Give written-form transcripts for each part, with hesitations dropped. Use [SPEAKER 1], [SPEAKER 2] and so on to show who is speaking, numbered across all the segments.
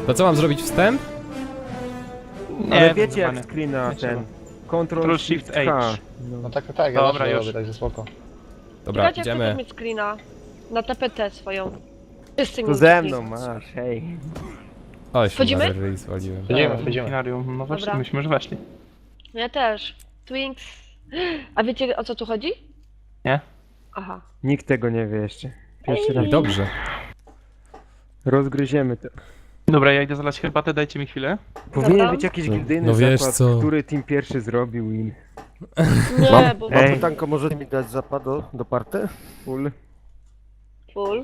[SPEAKER 1] To co mam zrobić wstęp?
[SPEAKER 2] Ale wiecie
[SPEAKER 3] chyba
[SPEAKER 2] jak
[SPEAKER 3] nie.
[SPEAKER 2] screena
[SPEAKER 3] Nie
[SPEAKER 2] ten...
[SPEAKER 3] Ctrl
[SPEAKER 2] Ctrl
[SPEAKER 3] Shift
[SPEAKER 2] Shift H.
[SPEAKER 3] H.
[SPEAKER 4] No tak, tak, ja
[SPEAKER 3] Dobra,
[SPEAKER 4] zawsze
[SPEAKER 3] już.
[SPEAKER 4] robię, także spoko.
[SPEAKER 1] Dobra,
[SPEAKER 5] Czekajcie, jak chcesz
[SPEAKER 1] idziemy.
[SPEAKER 5] mieć screena na TPT swoją. Wszyscy
[SPEAKER 2] To
[SPEAKER 5] mieli
[SPEAKER 2] ze
[SPEAKER 5] screen.
[SPEAKER 2] mną masz, hej.
[SPEAKER 1] Oj,
[SPEAKER 5] Wchodzimy?
[SPEAKER 1] się ryj zwaliłem.
[SPEAKER 4] Wchodzimy.
[SPEAKER 3] Binarium, no właśnie,
[SPEAKER 5] Dobra.
[SPEAKER 3] myśmy już weszli.
[SPEAKER 5] Ja też. Twinks. A wiecie o co tu chodzi?
[SPEAKER 3] Nie?
[SPEAKER 5] Aha.
[SPEAKER 2] Nikt tego nie wie jeszcze. Pierwszy raz.
[SPEAKER 1] I dobrze.
[SPEAKER 2] Rozgryziemy to.
[SPEAKER 3] Dobra, ja idę zalać herbatę, dajcie mi chwilę.
[SPEAKER 2] Powinien
[SPEAKER 5] Dobra.
[SPEAKER 2] być jakiś gildyjny
[SPEAKER 1] No wiesz
[SPEAKER 2] zakład,
[SPEAKER 1] co.
[SPEAKER 2] który team pierwszy zrobił i...
[SPEAKER 5] Nie, bo
[SPEAKER 2] Ej.
[SPEAKER 6] Pytanko, możecie mi dać zapad do party?
[SPEAKER 2] Full.
[SPEAKER 5] full.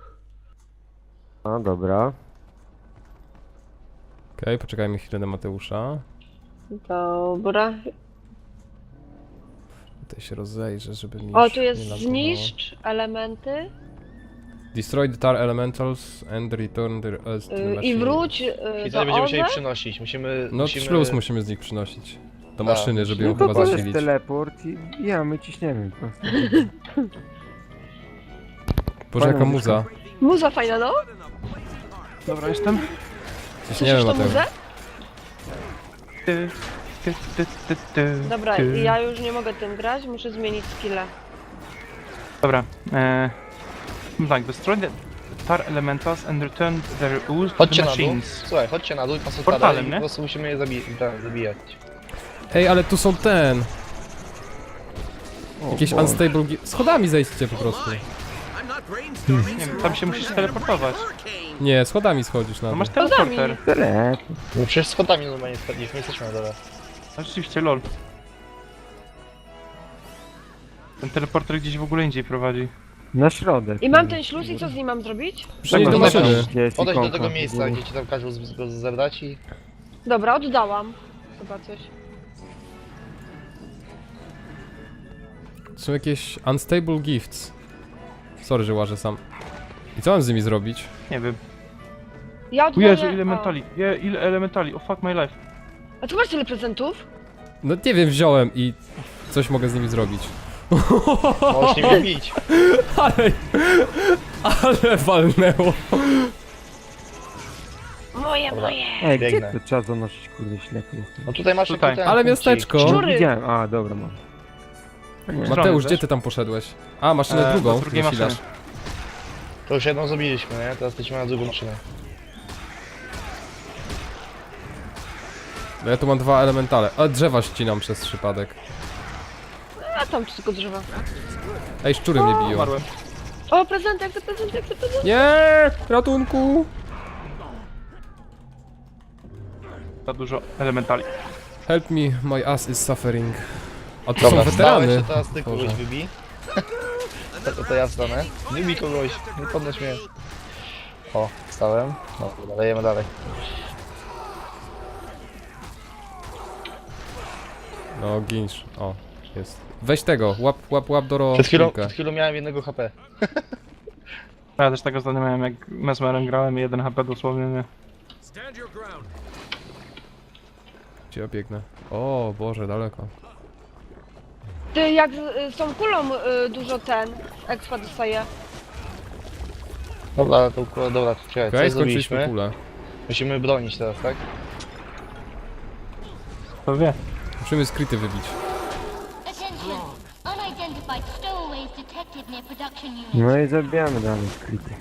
[SPEAKER 6] A, dobra.
[SPEAKER 1] Okej, poczekajmy chwilę na Mateusza.
[SPEAKER 5] Dobra.
[SPEAKER 1] Tutaj się rozejrzę, żeby mi
[SPEAKER 5] O,
[SPEAKER 1] już
[SPEAKER 5] tu jest
[SPEAKER 1] nie lagowało.
[SPEAKER 5] zniszcz elementy
[SPEAKER 1] Destroy the tar elementals and return the
[SPEAKER 5] i
[SPEAKER 1] machine.
[SPEAKER 5] wróć
[SPEAKER 4] I
[SPEAKER 5] do
[SPEAKER 4] wtedy będziemy musieli
[SPEAKER 5] OZE.
[SPEAKER 4] przynosić, musimy...
[SPEAKER 1] No śluz musimy z nich przynosić. Do maszyny, żeby ją
[SPEAKER 2] No to
[SPEAKER 1] chyba
[SPEAKER 2] to jest
[SPEAKER 1] zasilić.
[SPEAKER 2] teleport i ja, my ciśniemy po prostu.
[SPEAKER 1] Boże, jaka
[SPEAKER 2] Fajna
[SPEAKER 1] muza.
[SPEAKER 5] Muza fajna, no?
[SPEAKER 3] Dobra, jestem.
[SPEAKER 1] Ciśniemy,
[SPEAKER 5] Słyszysz tą
[SPEAKER 1] Mateusz.
[SPEAKER 5] muzę? Dobra,
[SPEAKER 3] ty.
[SPEAKER 5] ja już nie mogę tym grać, muszę zmienić skillę.
[SPEAKER 3] Dobra, tak, destroy the tar elementals and return their ooze to
[SPEAKER 4] Chodźcie
[SPEAKER 3] the
[SPEAKER 4] na dół.
[SPEAKER 3] machines.
[SPEAKER 4] Słuchaj, chodźcie na dół i pas
[SPEAKER 3] Portalem,
[SPEAKER 4] i
[SPEAKER 3] nie?
[SPEAKER 4] po prostu musimy je zabijać.
[SPEAKER 1] Ej, ale tu są ten.
[SPEAKER 2] O,
[SPEAKER 1] Jakieś
[SPEAKER 2] Boże.
[SPEAKER 1] unstable... Schodami zejdźcie po prostu.
[SPEAKER 3] Nie wiem, tam się musisz teleportować.
[SPEAKER 1] Nie, schodami schodzisz na
[SPEAKER 3] No
[SPEAKER 1] dół.
[SPEAKER 3] masz teleporter.
[SPEAKER 2] Teleport.
[SPEAKER 4] No przecież schodami normalnie spadliśmy, jesteśmy na dole.
[SPEAKER 3] No rzeczywiście, lol. Ten teleporter gdzieś w ogóle indziej prowadzi.
[SPEAKER 2] Na środek.
[SPEAKER 5] I mam ten śluz i co z nim mam zrobić?
[SPEAKER 1] Przynieś
[SPEAKER 3] Tak,
[SPEAKER 1] do
[SPEAKER 3] no,
[SPEAKER 1] maszyny.
[SPEAKER 2] Gdzie jest
[SPEAKER 4] Podejdź do
[SPEAKER 2] ikonka
[SPEAKER 4] tego
[SPEAKER 2] w
[SPEAKER 4] miejsca,
[SPEAKER 2] ogóle?
[SPEAKER 4] gdzie ci tam każą go zebrać i...
[SPEAKER 5] Dobra, oddałam. Chyba coś.
[SPEAKER 1] Są jakieś unstable gifts. Sorry, że łażę sam. I co mam z nimi zrobić?
[SPEAKER 3] Nie wiem.
[SPEAKER 5] Ja
[SPEAKER 3] O
[SPEAKER 5] oddaję...
[SPEAKER 3] Jezu, ile elementali. Ile elementali, oh fuck my life.
[SPEAKER 5] A tu masz tyle prezentów?
[SPEAKER 1] No nie wiem, wziąłem i coś mogę z nimi zrobić.
[SPEAKER 4] Możesz nimi bić.
[SPEAKER 1] Ale walnęło.
[SPEAKER 5] Moje,
[SPEAKER 4] Dobra.
[SPEAKER 5] moje.
[SPEAKER 2] Ej, gdzie
[SPEAKER 4] Biegnę.
[SPEAKER 2] to trzeba zanosić, kurde, ślepy jestem.
[SPEAKER 4] No tutaj masz
[SPEAKER 3] Tutaj.
[SPEAKER 4] taki ten
[SPEAKER 1] Ale
[SPEAKER 4] punkcik.
[SPEAKER 1] miasteczko.
[SPEAKER 5] Szczury.
[SPEAKER 2] Widziałem, a dobra mam.
[SPEAKER 1] Mateusz,
[SPEAKER 3] wiesz?
[SPEAKER 1] gdzie ty tam poszedłeś? A, maszynę
[SPEAKER 3] do
[SPEAKER 1] drugą
[SPEAKER 3] drugiej
[SPEAKER 1] zasilasz.
[SPEAKER 3] maszyny.
[SPEAKER 4] To już jedną zrobiliśmy, nie? Teraz lecimy na drugą maszynę.
[SPEAKER 1] No ja tu mam dwa elementale. A drzewa ścinam przez przypadek.
[SPEAKER 5] A tam tylko drzewa.
[SPEAKER 1] Ej, szczury mnie biją.
[SPEAKER 3] Umarłem.
[SPEAKER 5] O, prezenty, jak to prezenty, jak to prezenty.
[SPEAKER 1] Nie! Ratunku!
[SPEAKER 3] Za dużo elementali.
[SPEAKER 1] Help me, my ass is suffering. A tu
[SPEAKER 4] Dobra,
[SPEAKER 1] są
[SPEAKER 4] wstałeś,
[SPEAKER 1] weterany.
[SPEAKER 4] to teraz ty kogoś
[SPEAKER 1] Boże.
[SPEAKER 4] wybij. To ja wstanę. Wybij kogoś, nie podnoś mnie. O, wstałem. No, dobra, lejemy dalej.
[SPEAKER 1] No, ginsz. O, jest. Weź tego, łap do
[SPEAKER 4] Przed chwilą miałem jednego HP.
[SPEAKER 3] Ja też tego zdania miałem, jak Mesmerem grałem i 1 HP dosłownie, nie.
[SPEAKER 1] Gdzie ja biegnę? O, Boże, daleko.
[SPEAKER 5] Ty, jak z tą kulą dużo expa dostaje.
[SPEAKER 4] Dobra, to dobra, czekaj,
[SPEAKER 1] Okej,
[SPEAKER 4] co
[SPEAKER 1] skończyliśmy
[SPEAKER 4] zrobiliśmy?
[SPEAKER 1] kulę.
[SPEAKER 4] Musimy bronić teraz, tak?
[SPEAKER 3] To wie.
[SPEAKER 1] Musimy skryty wybić.
[SPEAKER 7] Attention! Unidentified stowaways detected near production unit.
[SPEAKER 2] No i zabijamy dalej skryty.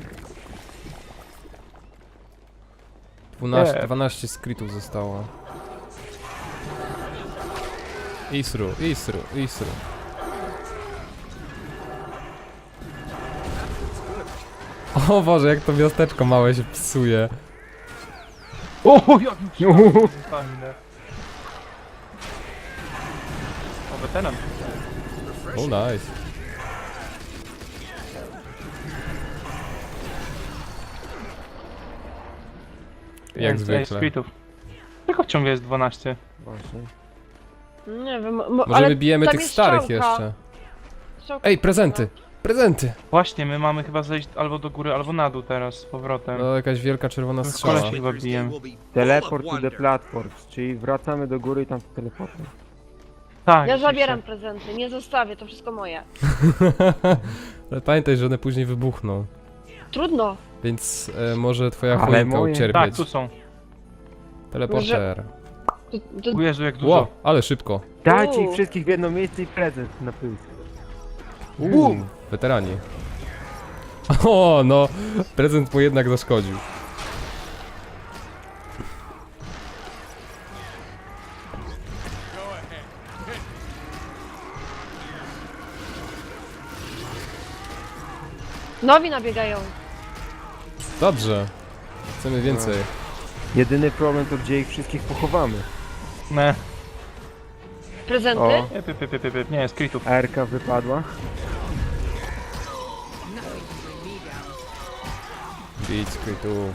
[SPEAKER 1] 12 skrytów zostało. Isru. O Boże, jak to miasteczko małe się psuje.
[SPEAKER 3] O, jak mi fajne. O, weteran.
[SPEAKER 1] O, nice. Jak zwykle.
[SPEAKER 3] Splitów. Tylko ciągle jest 12.
[SPEAKER 2] Właśnie.
[SPEAKER 5] Nie wiem,
[SPEAKER 1] Może
[SPEAKER 5] ale
[SPEAKER 1] my bijemy
[SPEAKER 5] tam
[SPEAKER 1] tych
[SPEAKER 5] jest
[SPEAKER 1] starych
[SPEAKER 5] strzałka.
[SPEAKER 1] jeszcze.
[SPEAKER 5] Strzałka
[SPEAKER 1] Ej,
[SPEAKER 5] jest
[SPEAKER 1] prezenty! Prezenty!
[SPEAKER 3] Właśnie, my mamy chyba zejść albo do góry, albo na dół teraz z powrotem.
[SPEAKER 1] No, jakaś wielka czerwona
[SPEAKER 3] W
[SPEAKER 1] strzała.
[SPEAKER 3] szkole się chyba bijemy.
[SPEAKER 2] Teleport to the platforms, czyli wracamy do góry i tam teleportem.
[SPEAKER 3] Tak,
[SPEAKER 5] Ja
[SPEAKER 3] rzeczywiście.
[SPEAKER 5] zabieram prezenty, nie zostawię, to wszystko moje.
[SPEAKER 1] Ale pamiętaj, że one później wybuchną.
[SPEAKER 5] Trudno.
[SPEAKER 1] Więc może twoja
[SPEAKER 2] Ale
[SPEAKER 1] choinka
[SPEAKER 2] moje.
[SPEAKER 1] ucierpieć.
[SPEAKER 3] Tak, tu są.
[SPEAKER 1] Teleporter.
[SPEAKER 3] O Jezu, jak dużo.
[SPEAKER 1] Ło, ale szybko.
[SPEAKER 2] Dajcie ich
[SPEAKER 5] Uuu.
[SPEAKER 2] wszystkich w jedno miejsce i prezent na pysk.
[SPEAKER 1] Weterani. O, no. Prezent mu jednak zaszkodził.
[SPEAKER 5] Nowi nabiegają.
[SPEAKER 1] Dobrze. Chcemy więcej.
[SPEAKER 2] Jedyny problem to gdzie ich wszystkich pochowamy.
[SPEAKER 3] Ne.
[SPEAKER 5] Prezenty?
[SPEAKER 2] O,
[SPEAKER 3] Nie, skrytów.
[SPEAKER 2] ARK wypadła.
[SPEAKER 1] Idź, skrytów.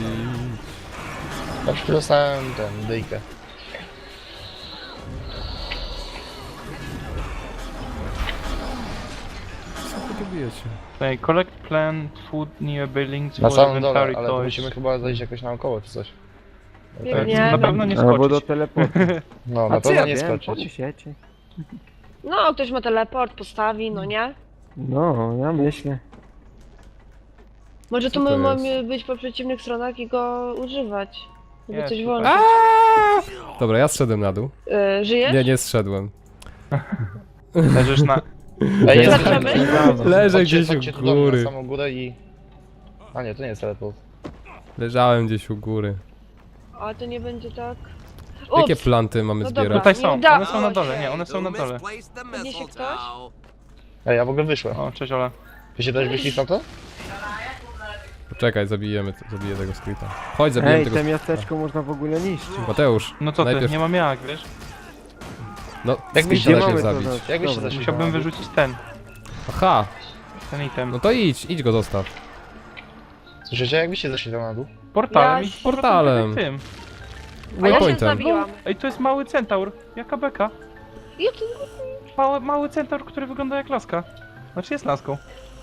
[SPEAKER 4] Ja już dostałem ten, dyjkę.
[SPEAKER 1] Co wy tu bijecie?
[SPEAKER 3] Tutaj, collect plant food near buildings
[SPEAKER 4] Na
[SPEAKER 3] for
[SPEAKER 4] samym dole,
[SPEAKER 3] inventory
[SPEAKER 4] ale to
[SPEAKER 3] toys.
[SPEAKER 4] musimy chyba zejść jakoś naokoło czy coś.
[SPEAKER 5] Biegnie.
[SPEAKER 3] Na pewno nie
[SPEAKER 2] Albo do
[SPEAKER 3] skoczyć.
[SPEAKER 2] teleportu.
[SPEAKER 4] No,
[SPEAKER 2] A
[SPEAKER 4] na
[SPEAKER 2] co
[SPEAKER 4] pewno
[SPEAKER 2] ja
[SPEAKER 4] nie
[SPEAKER 2] wiem,
[SPEAKER 4] skoczyć.
[SPEAKER 2] pomyślcie.
[SPEAKER 5] No, ktoś ma teleport, postawi, no nie?
[SPEAKER 2] No, ja myślę.
[SPEAKER 5] Może
[SPEAKER 1] Co
[SPEAKER 5] tu
[SPEAKER 1] to
[SPEAKER 5] my
[SPEAKER 1] jest?
[SPEAKER 5] mamy być po przeciwnych stronach i go używać. Żeby
[SPEAKER 3] Jest
[SPEAKER 5] coś
[SPEAKER 3] tutaj.
[SPEAKER 5] włączyć.
[SPEAKER 1] Dobra, ja zszedłem na dół.
[SPEAKER 5] Żyjesz?
[SPEAKER 1] Nie, nie zszedłem.
[SPEAKER 3] Leżysz na...
[SPEAKER 4] Ej, jest
[SPEAKER 5] Zaczynamy?
[SPEAKER 1] Leżę
[SPEAKER 4] Chodźcie-
[SPEAKER 1] gdzieś
[SPEAKER 4] chodźcie
[SPEAKER 1] u
[SPEAKER 4] tu do mnie
[SPEAKER 1] góry.
[SPEAKER 4] na samą górę i... A nie, to nie jest teleport.
[SPEAKER 1] Leżałem gdzieś u góry.
[SPEAKER 5] A to nie będzie tak.
[SPEAKER 1] Jakie
[SPEAKER 5] Ups.
[SPEAKER 1] planty mamy
[SPEAKER 5] No
[SPEAKER 1] zbierać?
[SPEAKER 5] dobra.
[SPEAKER 3] Tutaj
[SPEAKER 5] Nie
[SPEAKER 3] są,
[SPEAKER 5] udało
[SPEAKER 3] one są na
[SPEAKER 5] się.
[SPEAKER 3] dole, nie, one są na dole.
[SPEAKER 5] Podniesie ktoś?
[SPEAKER 4] Ej, ja w ogóle wyszłem.
[SPEAKER 3] O, cześć Ola.
[SPEAKER 4] Wy się też wyszli w tamto?
[SPEAKER 1] Poczekaj, zabiję tego skryta. Chodź, zabijemy
[SPEAKER 2] Ej,
[SPEAKER 1] tego
[SPEAKER 2] te miasteczko można w ogóle niszczyć.
[SPEAKER 1] Mateusz,
[SPEAKER 3] No co ty,
[SPEAKER 1] najpierw...
[SPEAKER 3] nie mam jak, wiesz?
[SPEAKER 1] No,
[SPEAKER 4] Jak byście
[SPEAKER 1] skryta
[SPEAKER 2] mamy
[SPEAKER 1] najpierw
[SPEAKER 2] to
[SPEAKER 1] zabić.
[SPEAKER 4] Jak byście
[SPEAKER 2] Dobra.
[SPEAKER 4] zeszli?
[SPEAKER 3] Musiałbym wyrzucić ten
[SPEAKER 1] Aha,
[SPEAKER 3] item.
[SPEAKER 1] no to idź go zostaw.
[SPEAKER 4] Słyszycie, jak byście zeszli tam na dół?
[SPEAKER 3] Portalem
[SPEAKER 5] Ja-
[SPEAKER 3] i z powrotem
[SPEAKER 1] Portalem.
[SPEAKER 3] tym.
[SPEAKER 5] A ja się
[SPEAKER 1] Waypointem.
[SPEAKER 5] zabiłam.
[SPEAKER 3] Ej, to jest mały centaur. Jaka beka.
[SPEAKER 5] Ja tu...
[SPEAKER 3] Mały centaur, który wygląda jak laska. Znaczy jest laską.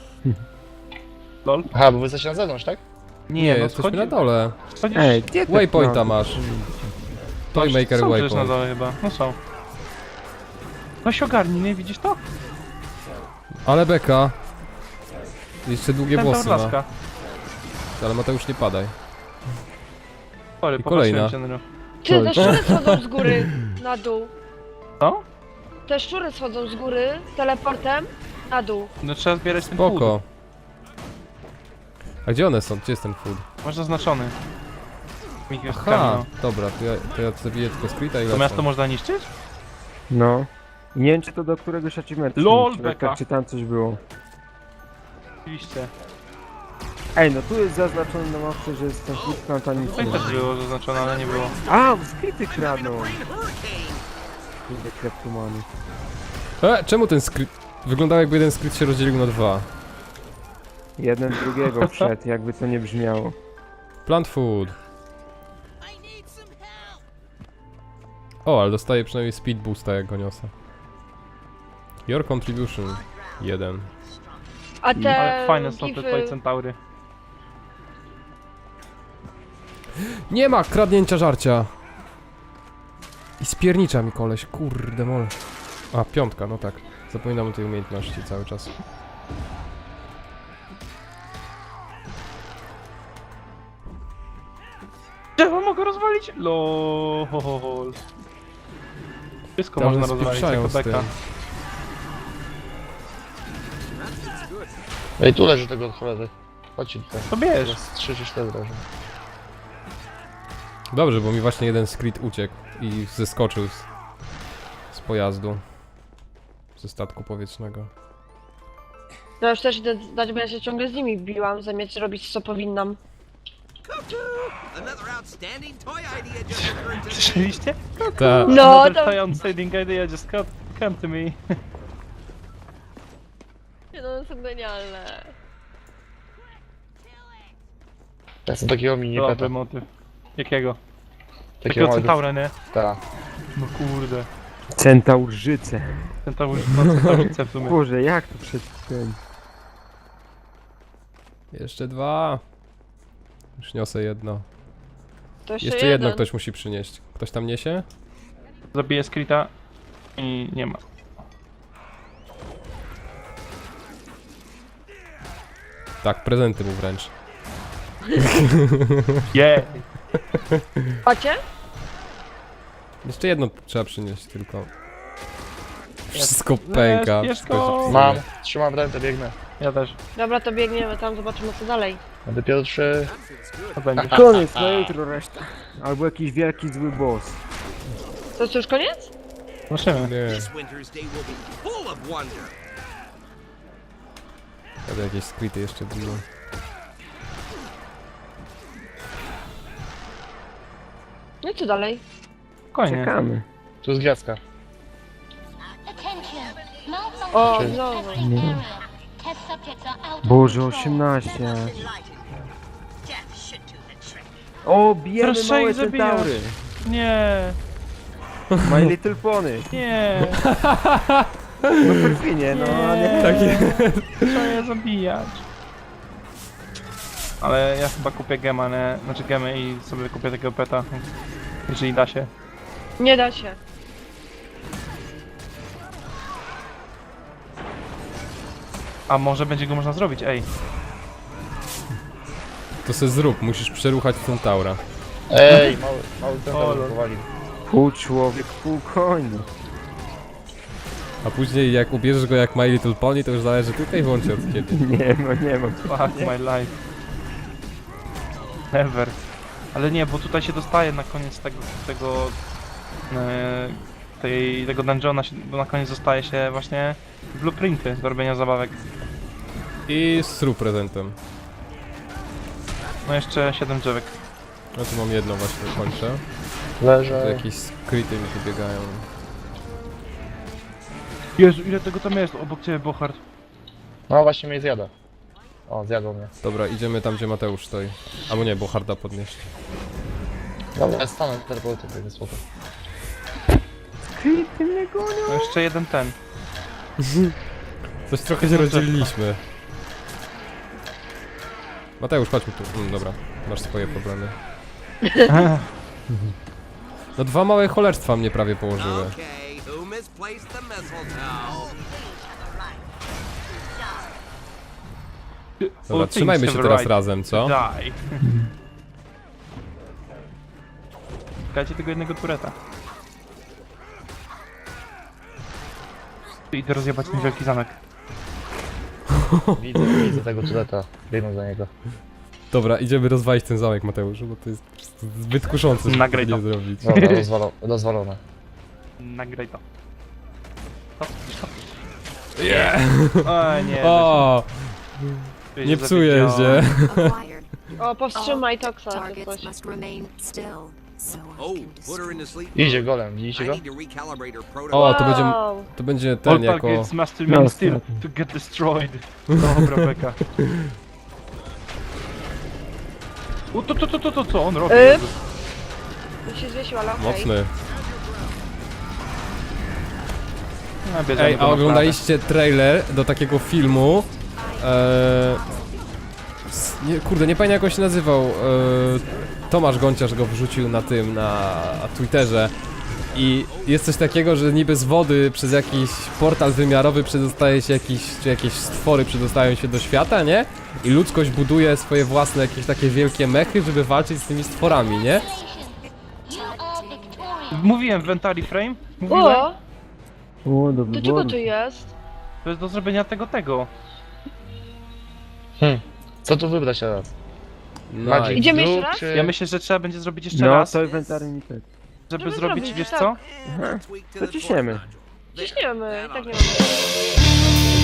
[SPEAKER 3] Lol.
[SPEAKER 4] Aha, bo wy jesteście na zewnątrz, tak?
[SPEAKER 1] Nie,
[SPEAKER 3] no
[SPEAKER 1] jesteśmy
[SPEAKER 3] schodzi-
[SPEAKER 1] na dole.
[SPEAKER 3] schodzisz...
[SPEAKER 2] Ej, gdzie te
[SPEAKER 1] Waypointa
[SPEAKER 2] planty?
[SPEAKER 1] masz. Toymaker
[SPEAKER 3] są przecież na
[SPEAKER 1] waypoint.
[SPEAKER 3] dole chyba. No są. No się ogarnij, nie widzisz to?
[SPEAKER 1] Ale beka. Jeszcze długie
[SPEAKER 3] Centaur
[SPEAKER 1] włosy ma.
[SPEAKER 3] laska.
[SPEAKER 1] Ale Mateusz, nie padaj.
[SPEAKER 3] Sorry,
[SPEAKER 1] I kolejna.
[SPEAKER 3] popatrzyłem się na nią.
[SPEAKER 5] Ty, te szczury schodzą z góry na dół.
[SPEAKER 3] Co?
[SPEAKER 5] Te szczury schodzą z góry teleportem na dół.
[SPEAKER 3] No trzeba zbierać ten food.
[SPEAKER 1] Spoko. A gdzie one są? Gdzie jest ten food?
[SPEAKER 3] Masz zaznaczony.
[SPEAKER 1] Aha,
[SPEAKER 3] Migawkami,
[SPEAKER 1] dobra, to ja zabiję tylko skryta i
[SPEAKER 3] no. To
[SPEAKER 1] lecę.
[SPEAKER 3] miasto można niszczyć?
[SPEAKER 2] No. Nie wiem, czy to do któregoś achievementu.
[SPEAKER 3] LOL,
[SPEAKER 2] czy,
[SPEAKER 3] beka.
[SPEAKER 2] czy tam coś było.
[SPEAKER 3] Oczywiście.
[SPEAKER 2] Ej, no tu jest zaznaczone na mapce, że jest ten food plant, a nic
[SPEAKER 3] To i
[SPEAKER 2] nie
[SPEAKER 3] też
[SPEAKER 2] ma.
[SPEAKER 3] było zaznaczone, ale nie było.
[SPEAKER 2] A, skryty kradną. Kurde, kleptomany.
[SPEAKER 1] Czemu ten skryt... Wyglądał jakby jeden skryt się rozdzielił na dwa.
[SPEAKER 2] Jeden drugiego wszedł, jakby to nie brzmiało.
[SPEAKER 1] Plant food. O, ale dostaję przynajmniej speed boosta jak go niosę. Your contribution. 1.
[SPEAKER 5] A te
[SPEAKER 3] Ale fajne są te
[SPEAKER 5] gify...
[SPEAKER 3] twoje centaury.
[SPEAKER 1] Nie ma kradnięcia żarcia. I spiernicza mi koleś, kurde mol. A, 5, no tak. Zapominam o tej umiejętności cały czas.
[SPEAKER 3] Drzewo mogę rozwalić? LOL. Wszystko
[SPEAKER 1] Tam
[SPEAKER 3] można rozwalić,
[SPEAKER 1] spieprzają
[SPEAKER 3] jako
[SPEAKER 1] z tym.
[SPEAKER 3] beka.
[SPEAKER 4] Ej, tu leży tego od cholery. Chodźcie tutaj.
[SPEAKER 3] To bierz.
[SPEAKER 4] Teraz 3 czy 4 leży.
[SPEAKER 1] Dobrze, bo mi właśnie jeden skryt uciekł i zeskoczył z pojazdu. Ze statku powietrznego.
[SPEAKER 5] No już też idę dać, bo ja się ciągle z nimi biłam, zamiast robić co powinnam.
[SPEAKER 8] Another outstanding toy idea just occurred to me.
[SPEAKER 3] Słyszeliście?
[SPEAKER 1] Ta,
[SPEAKER 5] No,
[SPEAKER 3] Another
[SPEAKER 5] to...
[SPEAKER 3] toy outstanding idea just come to me.
[SPEAKER 5] No, są genialne.
[SPEAKER 4] Ja chcę takiego mini
[SPEAKER 3] Dobry
[SPEAKER 4] peta.
[SPEAKER 3] motyw. Jakiego?
[SPEAKER 4] Takiego
[SPEAKER 3] Takiego
[SPEAKER 4] małego.
[SPEAKER 3] centaura, nie?
[SPEAKER 4] Tak.
[SPEAKER 3] No kurde.
[SPEAKER 2] Centaurzyce.
[SPEAKER 3] Centaur, no centaurice w sumie.
[SPEAKER 2] Boże, jak to przed tym?
[SPEAKER 1] jeszcze 2. Już niosę jedno.
[SPEAKER 5] To jeszcze,
[SPEAKER 1] Jeszcze jedno
[SPEAKER 5] jeden.
[SPEAKER 1] ktoś musi przynieść. Ktoś tam niesie?
[SPEAKER 3] Zabiję Skrita i nie ma.
[SPEAKER 1] Tak, prezenty mu wręcz.
[SPEAKER 3] Yeah!
[SPEAKER 5] Macie?
[SPEAKER 1] Jeszcze jedno trzeba przynieść tylko. Wszystko pęka.
[SPEAKER 3] Bierz
[SPEAKER 1] wszystko
[SPEAKER 3] go.
[SPEAKER 1] się
[SPEAKER 4] Mam,
[SPEAKER 1] psuje.
[SPEAKER 4] trzymam rękę, biegnę.
[SPEAKER 3] Ja też.
[SPEAKER 5] Dobra, to biegniemy tam, zobaczymy co dalej.
[SPEAKER 4] Będę pierwszy.
[SPEAKER 3] To będzie.
[SPEAKER 2] Koniec, na jutro reszta. Albo jakiś wielki zły boss.
[SPEAKER 5] To jest już koniec?
[SPEAKER 3] Zobaczymy.
[SPEAKER 1] Nie,
[SPEAKER 8] This winter's day will be full of wonder.
[SPEAKER 1] ale jakieś skryty jeszcze było.
[SPEAKER 5] No i co dalej?
[SPEAKER 3] Spokojnie.
[SPEAKER 2] Czekamy.
[SPEAKER 4] Tu jest gwiazdka.
[SPEAKER 7] Attention. Malfunction
[SPEAKER 5] O,
[SPEAKER 7] in
[SPEAKER 5] znowu.
[SPEAKER 7] testing area. Test subjects are out of
[SPEAKER 2] Boże,
[SPEAKER 7] control.
[SPEAKER 2] 18. O, bijemy
[SPEAKER 3] Proszę
[SPEAKER 2] małe
[SPEAKER 3] ich zabijać.
[SPEAKER 2] centaury.
[SPEAKER 3] Nie,
[SPEAKER 2] My Little Pony.
[SPEAKER 3] nie.
[SPEAKER 2] No perfidnie, no a nie.
[SPEAKER 1] Takie.
[SPEAKER 3] Trzeba je zabijać. Ale ja chyba kupię gema, nie? Znaczy gemy i sobie kupię takiego peta. Jeżeli da się.
[SPEAKER 5] Nie da się.
[SPEAKER 3] A może będzie go można zrobić, ej.
[SPEAKER 1] To se zrób, musisz przeruchać Centaura.
[SPEAKER 4] Ej, mały ten
[SPEAKER 3] O,
[SPEAKER 4] tam powalił.
[SPEAKER 2] Pół człowiek, pół koń.
[SPEAKER 1] A później jak ubierzesz go jak My Little Pony, to już zależy tylko i wyłącznie od ciebie.
[SPEAKER 2] Nie ma.
[SPEAKER 3] Fuck my life. Never. Ale nie, bo tutaj się dostaje na koniec tego dungeona, bo na koniec dostaje się właśnie blueprinty do robienia zabawek.
[SPEAKER 1] I zrób prezentem.
[SPEAKER 3] No jeszcze 7 drzewek.
[SPEAKER 1] No tu mam jedno właśnie, kończę. Tu
[SPEAKER 4] Leżę.
[SPEAKER 1] jakieś skryty mi tu biegają.
[SPEAKER 3] Jezu, ile tego tam jest obok ciebie, Bochard.
[SPEAKER 4] No właśnie mnie zjada. O, zjadł mnie.
[SPEAKER 1] Dobra, idziemy tam gdzie Mateusz stoi. Albo nie, bo harda podnieść.
[SPEAKER 4] Dobra, ja stanę teleportu, to jest spoko.
[SPEAKER 3] No jeszcze jeden ten.
[SPEAKER 1] Coś trochę się rozdzieliliśmy. Mateusz, chodźmy tu. Dobra, masz swoje problemy. No dwa małe cholerstwa mnie prawie położyły.
[SPEAKER 8] Okay, who misplaced the mistletoe?
[SPEAKER 1] Dobra,
[SPEAKER 3] All
[SPEAKER 1] trzymajmy
[SPEAKER 3] things
[SPEAKER 1] się
[SPEAKER 3] have
[SPEAKER 1] teraz
[SPEAKER 3] right.
[SPEAKER 1] razem, co?
[SPEAKER 3] Die. Dajcie tego jednego tureta. Idę rozjebać ten wielki zamek.
[SPEAKER 4] Widzę tego tuleta. Biegnę za niego.
[SPEAKER 1] Dobra, idziemy rozwalić ten zamek, Mateuszu, bo to jest po prostu zbyt kuszące, żeby
[SPEAKER 3] Nagraj
[SPEAKER 1] tego
[SPEAKER 3] to.
[SPEAKER 1] nie zrobić.
[SPEAKER 4] Dobra, rozwalone.
[SPEAKER 3] Nagraj to.
[SPEAKER 1] Yeah.
[SPEAKER 3] O nie,
[SPEAKER 1] O,
[SPEAKER 3] weź
[SPEAKER 1] nie
[SPEAKER 3] się
[SPEAKER 1] psuję
[SPEAKER 3] zawiedziałem.
[SPEAKER 1] się.
[SPEAKER 9] Acquired.
[SPEAKER 5] O, powstrzymaj toksa czy
[SPEAKER 9] Targets
[SPEAKER 5] coś.
[SPEAKER 9] must remain still, so I
[SPEAKER 8] Oh,
[SPEAKER 9] can
[SPEAKER 8] put her in the
[SPEAKER 9] destroy.
[SPEAKER 8] sleep.
[SPEAKER 4] Idzie golem,
[SPEAKER 8] I
[SPEAKER 4] widzicie go?
[SPEAKER 8] need to recalibrate her protocol.
[SPEAKER 1] O, to będzie ten
[SPEAKER 3] All
[SPEAKER 1] jako...
[SPEAKER 3] targets must remain
[SPEAKER 2] No,
[SPEAKER 3] still
[SPEAKER 2] ostatni.
[SPEAKER 3] to get destroyed. Dobra, beka. U, to, co on robi?
[SPEAKER 5] To się zwiesił, ale okej.
[SPEAKER 1] Mocny.
[SPEAKER 3] No, bierzemy
[SPEAKER 1] Ej,
[SPEAKER 3] go
[SPEAKER 1] a
[SPEAKER 3] na
[SPEAKER 1] oglądaliście trailer do takiego filmu? Kurde, nie pamiętam jak on się nazywał. Tomasz Gonciarz go wrzucił na tym, na Twitterze. I jest coś takiego, że niby z wody przez jakiś portal wymiarowy przedostaje się jakieś stwory przedostają się do świata, nie? I ludzkość buduje swoje własne jakieś takie wielkie mechy, żeby walczyć z tymi stworami, nie?
[SPEAKER 7] You are victorious.
[SPEAKER 3] Mówiłem, Ventari Frame? Mówiłem?
[SPEAKER 5] O,
[SPEAKER 2] O, dobry
[SPEAKER 5] do czego
[SPEAKER 2] błąd.
[SPEAKER 5] to jest?
[SPEAKER 3] To jest do zrobienia tego.
[SPEAKER 4] Co tu wybrać teraz?
[SPEAKER 1] Nice.
[SPEAKER 5] Idziemy jeszcze
[SPEAKER 4] Blue,
[SPEAKER 5] raz?
[SPEAKER 4] czy...
[SPEAKER 3] Ja myślę, że trzeba będzie zrobić jeszcze
[SPEAKER 2] No,
[SPEAKER 3] raz,
[SPEAKER 2] to inwentarny mi tak.
[SPEAKER 3] żeby
[SPEAKER 5] Żeby
[SPEAKER 3] zrobić,
[SPEAKER 5] zrobić,
[SPEAKER 3] wiesz
[SPEAKER 5] tak.
[SPEAKER 3] co?
[SPEAKER 8] Tweak to
[SPEAKER 2] To
[SPEAKER 8] the
[SPEAKER 2] ciśniemy.
[SPEAKER 8] fourth notch.
[SPEAKER 5] Ciśniemy, i tak nie
[SPEAKER 8] That'll
[SPEAKER 5] mamy.